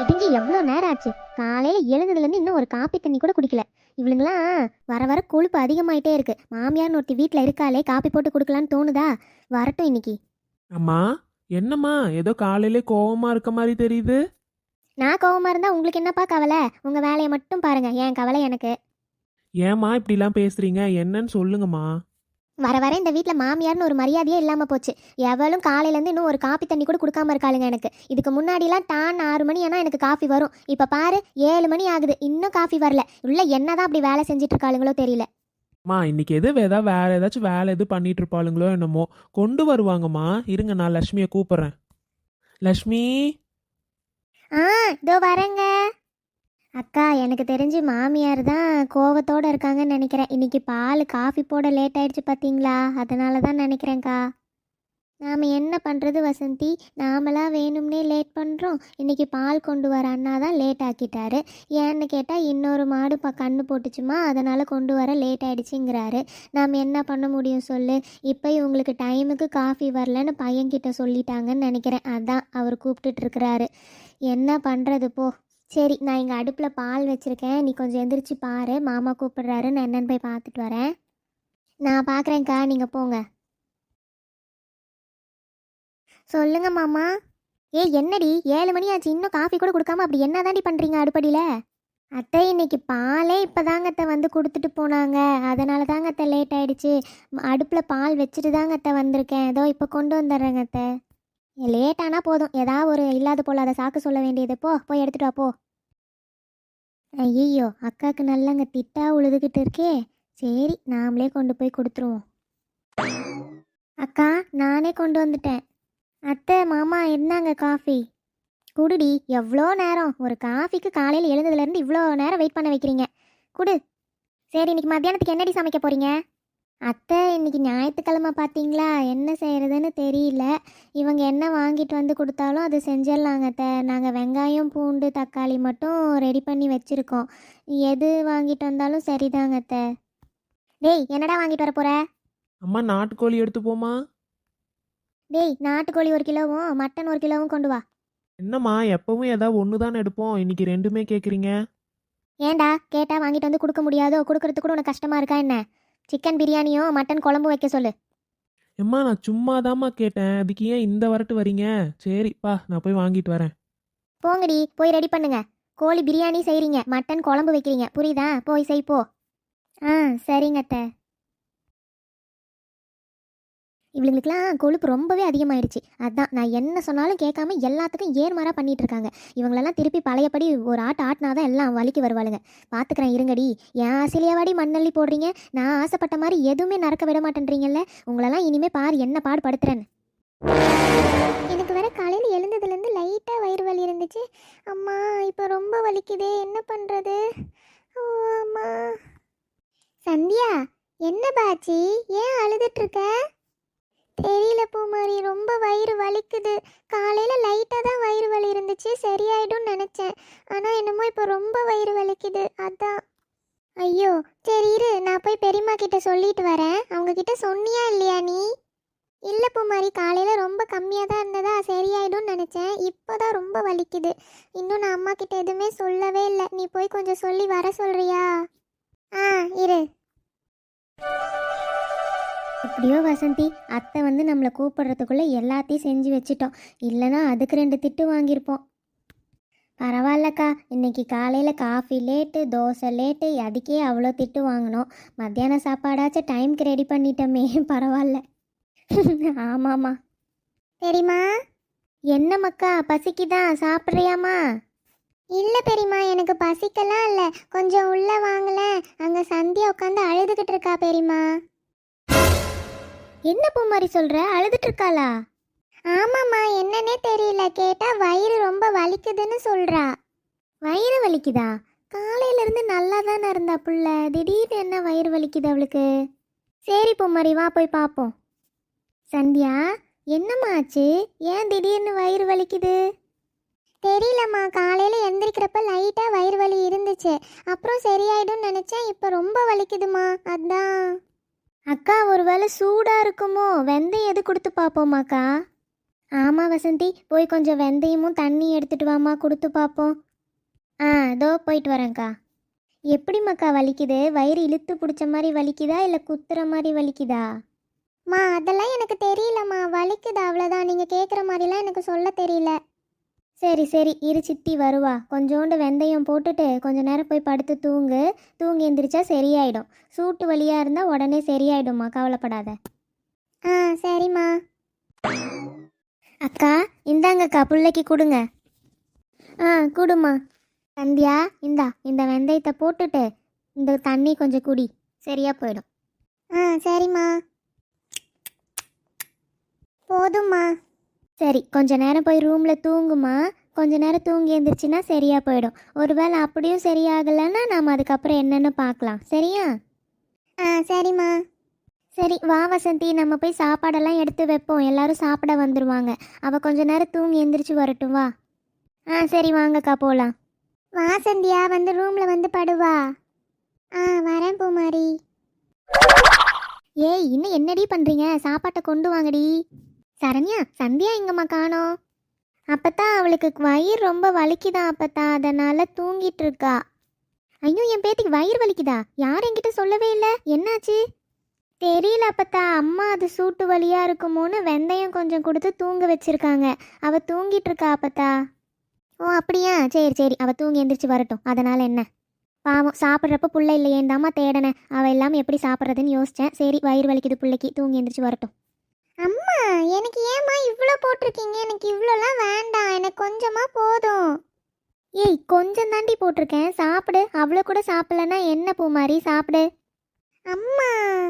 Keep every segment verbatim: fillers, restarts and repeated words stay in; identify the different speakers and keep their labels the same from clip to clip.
Speaker 1: இடிஞ்சு எவ்வளோ நேரம் ஆச்சு. காலையில் எழுந்ததுலேருந்து இன்னும் ஒரு காப்பி தண்ணி கூட குடிக்கல. இவளுங்களாம் வர வர கொழுப்பு அதிகமாயிட்டே இருக்கு. மாமியார்னு ஒருத்தி வீட்டில் இருக்காளே, காப்பி போட்டு கொடுக்கலான்னு தோணுதா? வரட்டும் இன்னைக்கு.
Speaker 2: அம்மா, என்னம்மா ஏதோ காலையிலே கோவமா இருக்க மாதிரி தெரியுது.
Speaker 1: நான் கோவமா இருந்தா உங்களுக்கு என்னப்பா கவலை? உங்க வேலையை மட்டும் பாருங்க, என் கவலை எனக்கு.
Speaker 2: ஏம்மா இப்படிலாம் பேசுறீங்க? என்னன்னு சொல்லுங்கம்மா.
Speaker 1: வர வர இந்த வீட்டில் மாமியார்னு ஒரு மரியாதையே இல்லாமல் போச்சு. எவளும் காலையிலேருந்து இன்னும் ஒரு காப்பி தண்ணி கூட கொடுக்காம இருக்காளுங்க எனக்கு. இதுக்கு முன்னாடிலாம் டான் ஆறு மணி ஆனால் எனக்கு காஃபி வரும். இப்போ பாரு, ஏழு மணி ஆகுது, இன்னும் காஃபி வரல. உள்ள என்னதான் அப்படி வேலை செஞ்சுட்டு இருக்காளுங்களோ தெரியல.
Speaker 2: அம்மா, இன்னைக்கு எது ஏதாவது வேற ஏதாச்சும் வேலை எது பண்ணிட்டு இருப்பாளுங்களோ என்னமோ. கொண்டு வருவாங்கம்மா. இருங்க, நான் லக்ஷ்மியை கூப்பிடுறேன். லக்ஷ்மி.
Speaker 1: ஆ, இதோ வரேங்க. அக்கா, எனக்கு தெரிஞ்சு மாமியார் தான் கோவத்தோடு இருக்காங்கன்னு நினைக்கிறேன். இன்னைக்கு பால் காஃபி போட லேட் ஆயிடுச்சு பார்த்தீங்களா? அதனால தான் நினைக்கிறேன்க்கா. நாம் என்ன பண்ணுறது வசந்தி, நாமளாக வேணும்னே லேட் பண்ணுறோம். இன்றைக்கி பால் கொண்டு வர அண்ணா தான் லேட் ஆக்கிட்டாரு. ஏன்னு கேட்டால் இன்னொரு மாடு ப கண்ணு போட்டுச்சுமா, அதனால் கொண்டு வர லேட் ஆகிடுச்சிங்கிறாரு. நாம் என்ன பண்ண முடியும் சொல்லு? இப்போ இவங்களுக்கு டைமுக்கு காஃபி வரலன்னு பையன்கிட்ட சொல்லிட்டாங்கன்னு நினைக்கிறேன். அதான் அவர் கூப்பிட்டுட்ருக்கிறாரு. என்ன பண்ணுறது போ. சரி, நான் இங்கே அடுப்பில் பால் வச்சுருக்கேன், நீ கொஞ்சம் எந்திரிச்சு பாரு. மாமா கூப்பிடுறாரு, நான் என்னென்னு போய் பார்த்துட்டு வரேன். நான் பார்க்குறேன்க்கா, நீங்கள் போங்க. சொல்லுங்க மாமா. ஏ என்னடி, ஏழு மணி ஆச்சு, இன்னும் காஃபி கூட கொடுக்காம அப்படி என்ன தாண்டி பண்ணுறீங்க அடுப்படியில்? அத்தை, இன்னைக்கு பாலே இப்போ தாங்க அத்தை வந்து கொடுத்துட்டு போனாங்க. அதனால தாங்க அத்தை லேட் ஆகிடுச்சு. அடுப்பில் பால் வச்சுட்டு தாங்க அத்தை வந்திருக்கேன். ஏதோ இப்போ கொண்டு வந்துடுறேங்க அத்தை. லேட் ஆனால் போதும், ஏதாவது ஒரு இல்லாத போல் அதை சாக்கு சொல்ல வேண்டியது. போ போய் எடுத்துட்டு வா போ. ஐயோ, அக்காவுக்கு நல்லங்க திட்டா உழுதுகிட்டு இருக்கே. சரி, நாமளே கொண்டு போய் கொடுத்துருவோம். அக்கா, நானே கொண்டு வந்துட்டேன். அத்தை, மாமா இருந்தாங்க காஃபி. குடுடி, எவ்வளோ நேரம் ஒரு காஃபிக்கு? காலையில் எழுந்ததுலேருந்து இவ்வளோ நேரம் வெயிட் பண்ண வைக்கிறீங்க. குடு. சரி, இன்னைக்கு மத்தியானத்துக்கு என்னடி சமைக்க போகிறீங்க? அத்தை, இன்னைக்கு ஞாயிற்றுக்கிழமை பார்த்தீங்களா, என்ன செய்கிறதுன்னு தெரியல. இவங்க என்ன வாங்கிட்டு வந்து கொடுத்தாலும் அது செஞ்சிடலாங்க அத்தை. நாங்கள் வெங்காயம் பூண்டு தக்காளி மட்டும் ரெடி பண்ணி வச்சுருக்கோம். எது வாங்கிட்டு வந்தாலும் சரிதாங்க அத்தை. டேய், என்னடா வாங்கிட்டு வர போகிற?
Speaker 2: அம்மா, நாட்டுக்கோழி எடுத்து போமா.
Speaker 1: டேய், நாட்டுக்கோழி ஒரு கிலோவும் மட்டன் ஒரு கிலோவும் கொண்டு வா.
Speaker 2: என்னம்மா, எப்பவும் ஏதாவது ஒன்று தானே எடுப்போம், இன்னைக்கு ரெண்டுமே கேட்குறீங்க.
Speaker 1: ஏண்டா, கேட்டால் வாங்கிட்டு வந்து கொடுக்க முடியாதோ? கொடுக்கறதுக்கு கூட உனக்கு கஷ்டமாக இருக்கா என்ன? சிக்கன் பிரியாணியும் மட்டன் குழம்பு வைக்க சொல்லு.
Speaker 2: எம்மா, நான் சும்மாதாம்மா கேட்டேன், அதுக்கு ஏன் இந்த வரட்டு வரீங்க? சரிப்பா, நான் போய் வாங்கிட்டு வரேன்.
Speaker 1: போங்கடி, போய் ரெடி பண்ணுங்க. கோழி பிரியாணி செய்கிறீங்க, மட்டன் குழம்பு வைக்கிறீங்க, புரியுதா? போய் செய் போ. ஆ, சரிங்க அத்தை. இவங்களுக்குலாம் கொழுப்பு ரொம்பவே அதிகமாயிடுச்சு. அதான் நான் என்ன சொன்னாலும் கேட்காம எல்லாத்துக்கும் ஏர்மாராக பண்ணிட்டு இருக்காங்க. இவங்களெல்லாம் திருப்பி பழையபடி ஒரு ஆட்டு ஆட்டினாதான் எல்லாம் வலிக்கு வருவாளுங்க. பார்த்துக்கிறேன் இருங்கடி. என் ஆசையிலேவாடி மண்ணள்ளி போடுறீங்க? நான் ஆசைப்பட்ட மாதிரி எதுவுமே நடக்க விட மாட்டேன்றீங்கல்ல. உங்களெல்லாம் இனிமே பாரு என்ன பாடு படுத்துறேன்னு. எனக்கு வர காலையில் எழுந்ததுலேருந்து லைட்டாக வயிறு வலி இருந்துச்சு. அம்மா, இப்போ ரொம்ப வலிக்குதே, என்ன பண்ணுறது? ஓ அம்மா. சந்தியா, என்ன பாச்சி, ஏன் அழுதுட்ருக்க? தெரியல பூமாரி, ரொம்ப வயிறு வலிக்குது. காலையில் லைட்டாக தான் வயிறு வலி இருந்துச்சு, சரியாயிடும்னு நினச்சேன். ஆனால் என்னமோ இப்போ ரொம்ப வயிறு வலிக்குது, அதான். ஐயோ, சரி இரு, நான் போய் பெரியம்மா கிட்ட சொல்லிட்டு வரேன். அவங்க கிட்ட சொன்னியா இல்லையா நீ? இல்லை பூமாரி, காலையில் ரொம்ப கம்மியாக தான் இருந்ததா, சரியாயிடும்னு நினச்சேன். இப்போ தான் ரொம்ப வலிக்குது. இன்னும் நான் அம்மா கிட்ட எதுவுமே சொல்லவே இல்லை. நீ போய் கொஞ்சம் சொல்லி வர சொல்கிறியா? ஆ, இரு. எப்படியோ வசந்தி, அத்தை வந்து நம்மளை கூப்பிடுறதுக்குள்ளே எல்லாத்தையும் செஞ்சு வச்சிட்டோம். இல்லைனா அதுக்கு ரெண்டு திட்டு வாங்கியிருப்போம். பரவாயில்லக்கா, இன்னைக்கு காலையில் காஃபி லேட்டு, தோசை லேட்டு, அதுக்கே அவ்வளோ திட்டு வாங்கினோம். மத்தியான சாப்பாடாச்சும் டைமுக்கு ரெடி பண்ணிட்டோமே, பரவாயில்ல. ஆமாம்மா. பெரியம்மா. என்ன மக்கா, பசிக்குதா? சாப்பிட்றியாம்மா? இல்லை பெரியம்மா, எனக்கு பசிக்கலாம் இல்லை. கொஞ்சம் உள்ளே வாங்கலேன். அங்கே சந்தியா உட்காந்து அழுதுகிட்டு இருக்கா பெரியம்மா. என்ன பூமாரி சொல்கிற? அழுதுட்டு இருக்காளா? ஆமாம்மா, என்னன்னே தெரியல. கேட்டால் வயிறு ரொம்ப வலிக்குதுன்னு சொல்கிறா. வயிறு வலிக்குதா? காலையிலேருந்து நல்லா தானே இருந்தா புள்ள, திடீர்னு என்ன வயிறு வலிக்குது அவளுக்கு? சரி பூமாரி, வா போய் பார்ப்போம். சந்தியா, என்னம்மா ஆச்சு? ஏன் திடீர்னு வயிறு வலிக்குது? தெரியலம்மா, காலையில் எந்திரிக்கிறப்ப லைட்டாக வயிறு வலி இருந்துச்சு. அப்புறம் சரியாயிடும்னு நினச்சேன். இப்போ ரொம்ப வலிக்குதுமா, அதான். அக்கா, ஒருவேளை சூடாக இருக்குமோ? வெந்தயம் எது கொடுத்து பார்ப்போமாக்கா? ஆமாம் வசந்தி, போய் கொஞ்சம் வெந்தயமும் தண்ணி எடுத்துட்டு வாமா, கொடுத்து பார்ப்போம். ஆ இதோ போயிட்டு வரேன்க்கா. எப்படிம்மாக்கா வலிக்குது? வயிறு இழுத்து பிடிச்ச மாதிரி வலிக்குதா இல்லை குத்துற மாதிரி வலிக்குதா? மா அதெல்லாம் எனக்கு தெரியலம்மா, வலிக்குதா அவ்வளோதான். நீங்கள் கேட்குற மாதிரிலாம் எனக்கு சொல்ல தெரியல. சரி சரி இரு, சித்தி வருவா. கொஞ்சோண்டு வெந்தயம் போட்டுட்டு கொஞ்ச நேரம் போய் படுத்து தூங்கு. தூங்கி எந்திரிச்சா சரியாயிடும். சூட்டு வலியாக இருந்தால் உடனே சரியாயிடும்மா, கவலைப்படாத. ஆ சரிம்மா. அக்கா இந்தாங்கக்கா, பிள்ளைக்கு கொடுங்க. ஆ கொடுமா. சந்தியா இந்தா, இந்த வெந்தயத்தை போட்டுட்டு இந்த தண்ணி கொஞ்சம் குடி, சரியா போயிடும். ஆ சரிம்மா. போதும்மா. சரி கொஞ்ச நேரம் போய் ரூமில் தூங்குமா. கொஞ்ச நேரம் தூங்கி எழுந்திரிச்சின்னா சரியா போயிடும். ஒருவேளை அப்படியும் சரியாகலைன்னா நாம் அதுக்கப்புறம் என்னென்னு பார்க்கலாம், சரியா? ஆ சரிம்மா. சரி வா வசந்தி, நம்ம போய் சாப்பாடெல்லாம் எடுத்து வைப்போம். எல்லாரும் சாப்பிட வந்துடுவாங்க. அவள் கொஞ்ச நேரம் தூங்கி எந்திரிச்சு வரட்டும், வா. ஆ சரி வாங்கக்கா போகலாம். வா சந்தியா, வந்து ரூமில் வந்து படுவா. ஆ வரேன் பூமாரி. ஏய் இன்னும் என்னடி பண்ணுறீங்க? சாப்பாட்டை கொண்டு வாங்கடி. சரண்யா, சந்தியா எங்கம்மா காணோம்? அப்பத்தான் அவளுக்கு வயிறு ரொம்ப வலிக்குதா அப்பத்தா, அதனால் தூங்கிட்டு இருக்கா. ஐயோ என் பேத்திக்கு வயிறு வலிக்குதா? யார் என்கிட்ட சொல்லவே இல்லை, என்னாச்சு? தெரியல அப்பத்தா, அம்மா அது சூட்டு வலியாக இருக்குமோன்னு வெந்தயம் கொஞ்சம் கொடுத்து தூங்க வச்சிருக்காங்க. அவள் தூங்கிட்டு இருக்கா அப்பத்தா. ஓ அப்படியா, சரி சரி, அவள் தூங்கி எந்திரிச்சு வரட்டும், அதனால் என்ன. பாவம் சாப்பிட்றப்ப புள்ள இல்லையேந்தாம்மா தேடனேன். அவள் எல்லாம் எப்படி சாப்பிட்றதுன்னு யோசித்தேன். சரி வயிறு வலிக்குது பிள்ளைக்கு, தூங்கி எந்திரிச்சு வரட்டும். அம்மா எனக்கு ஏம்மா இவ்வளோ போட்டிருக்கீங்க? எனக்கு இவ்வளோலாம் வேண்டாம், எனக்கு கொஞ்சமாக போதும். ஏய் கொஞ்சம் தாண்டி போட்டிருக்கேன், சாப்பிடு. அவ்வளோ கூட சாப்பிட்லன்னா என்ன பூமாரி, சாப்பிடு. அம்மா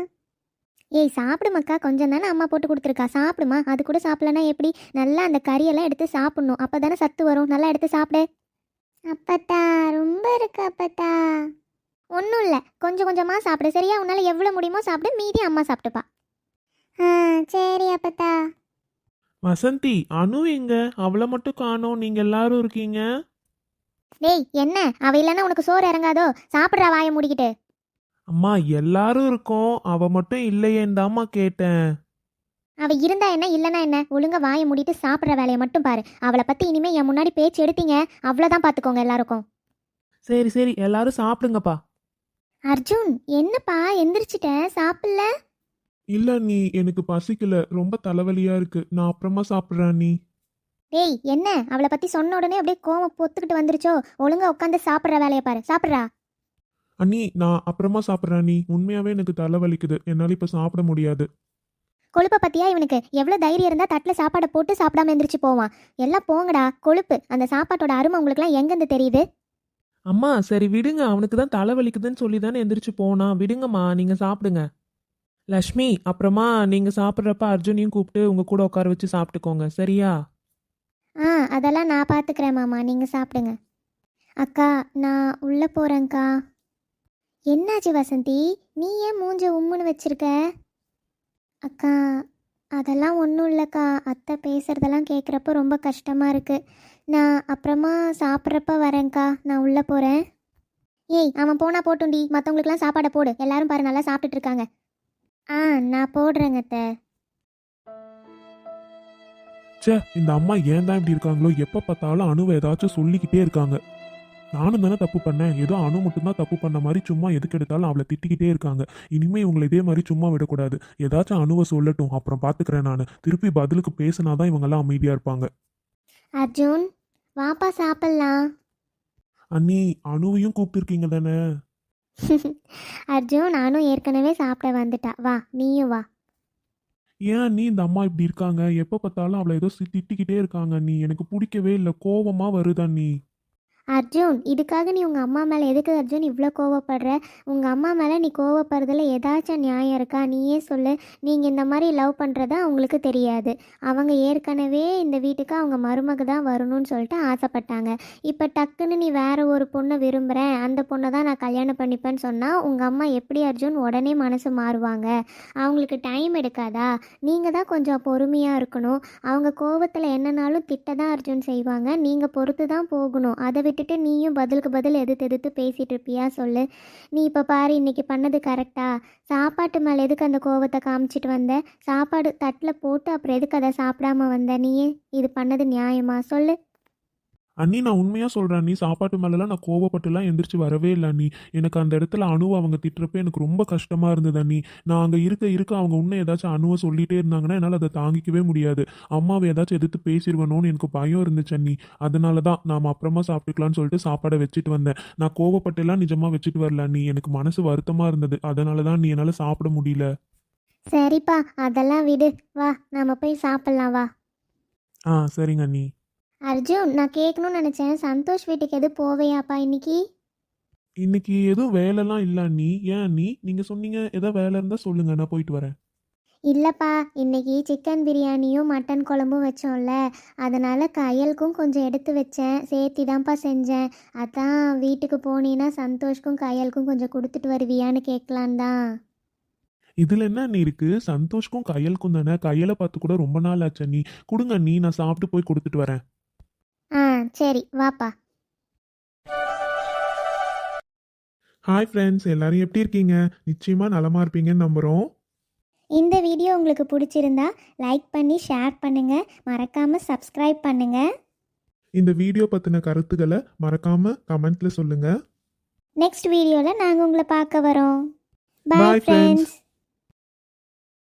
Speaker 1: ஏய் சாப்பிடு மக்கா, கொஞ்சம் தானே அம்மா போட்டு கொடுத்துருக்கா, சாப்பிடுமா. அது கூட சாப்பிட்லன்னா எப்படி? நல்லா அந்த கறியெல்லாம் எடுத்து சாப்பிட்ணும், அப்போ தானே சத்து வரும். நல்லா எடுத்து சாப்பிடு. அப்பத்தா ரொம்ப இருக்கு அப்பத்தா. ஒன்றும் இல்லை, கொஞ்சம் கொஞ்சமாக சாப்பிடு, சரியா? உன்னால் எவ்வளோ முடியுமோ சாப்பிடு, மீதி அம்மா சாப்பிட்டுப்பா. ஆ சரி அப்பத்தா.
Speaker 2: வசந்தி, அனு எங்க? அவளை மட்டும் காணோம், நீங்க எல்லாரும் இருக்கீங்க.
Speaker 1: டேய் என்ன, அவ இல்லைன்னா உனக்கு சோறு இறங்காதோ? சாப்பிட்றா வாயை மூடிக்கிட்டு.
Speaker 2: அம்மா எல்லாரும் இருக்கோம், அவ மட்டும் இல்லையேந்தாம்மா கேட்டேன்.
Speaker 1: அவ இருந்தா என்ன இல்லைன்னா என்ன, ஒழுங்கா வாயை மூடிட்டு சாப்பிட்ற வேலையை மட்டும் பாரு. அவளை பற்றி இனிமேல் என் முன்னாடி பேச்சு எடுத்தீங்க அவ்வளோதான், பார்த்துக்கோங்க எல்லாருக்கும்.
Speaker 2: சரி சரி எல்லாரும் சாப்பிடுங்கப்பா.
Speaker 1: அர்ஜுன் என்னப்பா எந்திரிச்சிட்டேன், சாப்பிடல?
Speaker 2: இல்ல நீ, எனக்கு பசிக்கல, ரொம்ப தலைவலியா இருக்கு, நான் அப்புறமா சாப்பிட்றேன் நீ.
Speaker 1: டேய் என்ன, அவளை பற்றி சொன்ன உடனே அப்படியே கோவம் பொத்துக்கிட்டு வந்துருச்சோ? ஒழுங்கா உட்காந்து சாப்பிட்ற வேலையை பாரு, சாப்பிட்றா.
Speaker 2: அண்ணி நான் அப்புறமா சாப்பிட்றேன் நீ, உண்மையாவே எனக்கு தலைவலிக்குது, என்னால் இப்போ சாப்பிட முடியாது.
Speaker 1: கொழுப்பை பற்றியா இவனுக்கு? எவ்வளோ தைரியம் இருந்தால் தட்டில் சாப்பாடை போட்டு சாப்பிடாம எந்திரிச்சு போவான். எல்லாம் போங்கடா கொழுப்பு. அந்த சாப்பாட்டோட அருமை உங்களுக்குலாம் எங்கேருந்து தெரியுது?
Speaker 2: அம்மா சரி விடுங்க, அவனுக்கு தான் தலைவலிக்குதுன்னு சொல்லி தானே எந்திரிச்சு போனா, விடுங்கம்மா, நீங்க சாப்பிடுங்க. லக்ஷ்மி, அப்புறமா நீங்க சாப்பிட்றப்ப அர்ஜுனையும் கூப்பிட்டு உங்க கூட உட்கார வச்சு சாப்பிட்டுக்கோங்க, சரியா?
Speaker 1: ஆ அதெல்லாம் நான் பார்த்துக்கிறேன் மாமா, நீங்கள் சாப்பிடுங்க. அக்கா நான் உள்ளே போகிறேங்க்கா. என்னாச்சு வசந்தி, நீ ஏன் மூஞ்ச உம்முன்னு வச்சிருக்க? அக்கா அதெல்லாம் ஒன்றும் இல்லைக்கா, அத்தை பேசுகிறதெல்லாம் கேட்குறப்ப ரொம்ப கஷ்டமாக இருக்குது. நான் அப்புறமா சாப்பிட்றப்ப வரேங்க்கா, நான் உள்ளே போகிறேன். ஏய் அவன் போனால் போட்டுண்டி, மற்றவங்களுக்குலாம் சாப்பாடை போடு. எல்லாரும் பாரு நல்லா சாப்பிட்டுட்டு இருக்காங்க. ஆ நான் போடுறேங்க அத்தை.
Speaker 2: ச்சே, இந்த அம்மா ஏன் தான் இப்படி இருக்காங்களோ, எப்போ பார்த்தாலும் அணுவை ஏதாச்சும் சொல்லிக்கிட்டே இருக்காங்க. நானும் தானே தப்பு பண்ணேன், ஏதோ அணு மட்டும்தான் தப்பு பண்ண மாதிரி சும்மா எதுக்கு எடுத்தாலும் அவளை திட்டிக்கிட்டே இருக்காங்க. இனிமே இவங்களை இதே மாதிரி சும்மா விடக்கூடாது, ஏதாச்சும் அணுவை சொல்லட்டும், அப்புறம் பார்த்துக்கிறேன் நான். திருப்பி பதிலுக்கு பேசினாதான் இவங்கெல்லாம் அமைதியாக இருப்பாங்க.
Speaker 1: அர்ஜுன் வாப்பா சாப்பிட்லாம்.
Speaker 2: அண்ணி அணுவையும் கூப்பிட்டுருக்கீங்க தானே?
Speaker 1: அர்ஜுன் நானும் ஏற்கனவே சாப்பிட வந்துட்டா, வா நீயும் வா.
Speaker 2: ஏன் நீ இந்த அம்மா இப்படி இருக்காங்க, எப்போ பார்த்தாலும் அவளை ஏதோ சி- திட்டிக்கிட்டே இருக்காங்க. நீ எனக்கு பிடிக்கவே இல்லை, கோவமா வருதா நீ?
Speaker 1: அர்ஜுன் இதுக்காக நீ உங்கள் அம்மா மேலே எதுக்கு அர்ஜுன் இவ்வளோ கோவப்படுற? உங்கள் அம்மா மேலே நீ கோவப்படுறதுல ஏதாச்சும் நியாயம் இருக்கா? நீயே சொல்லு. நீங்கள் இந்த மாதிரி லவ் பண்ணுறதா அவங்களுக்கு தெரியாது. அவங்க ஏற்கனவே இந்த வீட்டுக்கு அவங்க மருமக தான் வரணும்னு சொல்லிட்டு ஆசைப்பட்டாங்க. இப்போ டக்குன்னு நீ வேற ஒரு பொண்ணை விரும்புகிறேன், அந்த பொண்ணை தான் நான் கல்யாணம் பண்ணிப்பேன்னு சொன்னால் உங்கள் அம்மா எப்படி அர்ஜுன் உடனே மனசு மாறுவாங்க? அவங்களுக்கு டைம் எடுக்காதா? நீங்கள் தான் கொஞ்சம் பொறுமையாக இருக்கணும். அவங்க கோவத்தில் என்னன்னாலும் திட்ட தான் அர்ஜுன் செய்வாங்க. நீங்கள் பொறுத்து தான் போகணும். அதை விட்டுட்டு நீயும் பதிலுக்கு பதில் எதிர்த்து எதிர்த்து பேசிகிட்டு இருப்பியா சொல்லு. நீ இப்போ பாரு இன்னைக்கு பண்ணது கரெக்டா? சாப்பாட்டு மேலே எதுக்கு அந்த கோவத்தை காமிச்சிட்டு வந்த? சாப்பாடு தட்டில் போட்டு அப்புறம் எதுக்கு அதை சாப்பிடாம வந்த? நீயே இது பண்ணது நியாயமா சொல்லு?
Speaker 2: அண்ணி நான் உண்மையாக சொல்கிறேன், நீ சாப்பாட்டு மேலெலாம் நான் கோவப்பட்டுலாம் எந்திரிச்சு வரவே இல்லை அண்ணி. எனக்கு அந்த இடத்துல அணுவை அவங்க திட்டுறப்ப எனக்கு ரொம்ப கஷ்டமாக இருந்தது அண்ணி. நான் அங்கே இருக்க இருக்க அவங்க இன்னும் ஏதாச்சும் அணுவை சொல்லிகிட்டே இருந்தாங்கன்னா என்னால் அதை தாங்கிக்கவே முடியாது. அம்மாவை ஏதாச்சும் எதிர்த்து பேசிடுவேணும்னு எனக்கு பயம் இருந்துச்சு அண்ணி. அதனால தான் நாம் அப்புறமா சாப்பிட்டுக்கலான்னு சொல்லிட்டு சாப்பாடை வச்சுட்டு வந்தேன். நான் கோவப்பட்டெல்லாம் நிஜமாக வச்சுட்டு வரல அண்ணி. எனக்கு மனசு வருத்தமாக இருந்தது. அதனால தான் நீ என்னால் சாப்பிட முடியல.
Speaker 1: சரிப்பா, அதெல்லாம் விடு. வா நம்ம போய் சாப்பிட்லாம் வா.
Speaker 2: ஆ சரிங்க அண்ணி.
Speaker 1: அர்ஜுன், நான் கேட்கணும்னு நினச்சேன், சந்தோஷ் வீட்டுக்கு எது போவையாப்பா இன்னைக்கு?
Speaker 2: இன்னைக்கு எதுவும் வேலைலாம் இல்லை அண்ணி. ஏன் அண்ணி நீங்கள் சொன்னீங்க ஏதாவது வேலை இருந்தால் சொல்லுங்கள், நான் போயிட்டு வரேன்.
Speaker 1: இல்லைப்பா, இன்னைக்கு சிக்கன் பிரியாணியும் மட்டன் குழம்பும் வச்சோம்ல, அதனால் கையலுக்கும் கொஞ்சம் எடுத்து வச்சேன், சேர்த்தி தான்ப்பா செஞ்சேன். அதான் வீட்டுக்கு போனீன்னா சந்தோஷ்க்கும் கையலுக்கும் கொஞ்சம் கொடுத்துட்டு வருவியான்னு கேட்கலான் தான்.
Speaker 2: இதில் என்ன அண்ணி இருக்குது? சந்தோஷ்க்கும் கையலுக்கும் தானே. கையலை பார்த்து கூட ரொம்ப நாள் ஆச்சு அண்ணி. கொடுங்க அண்ணி, நான் சாப்பிட்டு போய் கொடுத்துட்டு வரேன்.
Speaker 1: ஆ சரி வாப்பா.
Speaker 2: ஹாய் ஃப்ரெண்ட்ஸ், எல்லாரும் எப்படி இருக்கீங்க? நிச்சயமாக நலமாக இருப்பீங்கன்னு நம்புகிறோம்.
Speaker 1: இந்த வீடியோ உங்களுக்கு பிடிச்சிருந்தா லைக் பண்ணி ஷேர் பண்ணுங்கள், மறக்காமல் சப்ஸ்கிரைப் பண்ணுங்கள்.
Speaker 2: இந்த வீடியோ பற்றின கருத்துக்களை மறக்காமல் கமெண்ட்டில் சொல்லுங்கள்.
Speaker 1: நெக்ஸ்ட் வீடியோவில் நாங்கள் உங்களை பார்க்க வரோம்.
Speaker 2: Bye,
Speaker 1: bye
Speaker 2: friends.
Speaker 1: ஃப்ரெண்ட்ஸ்.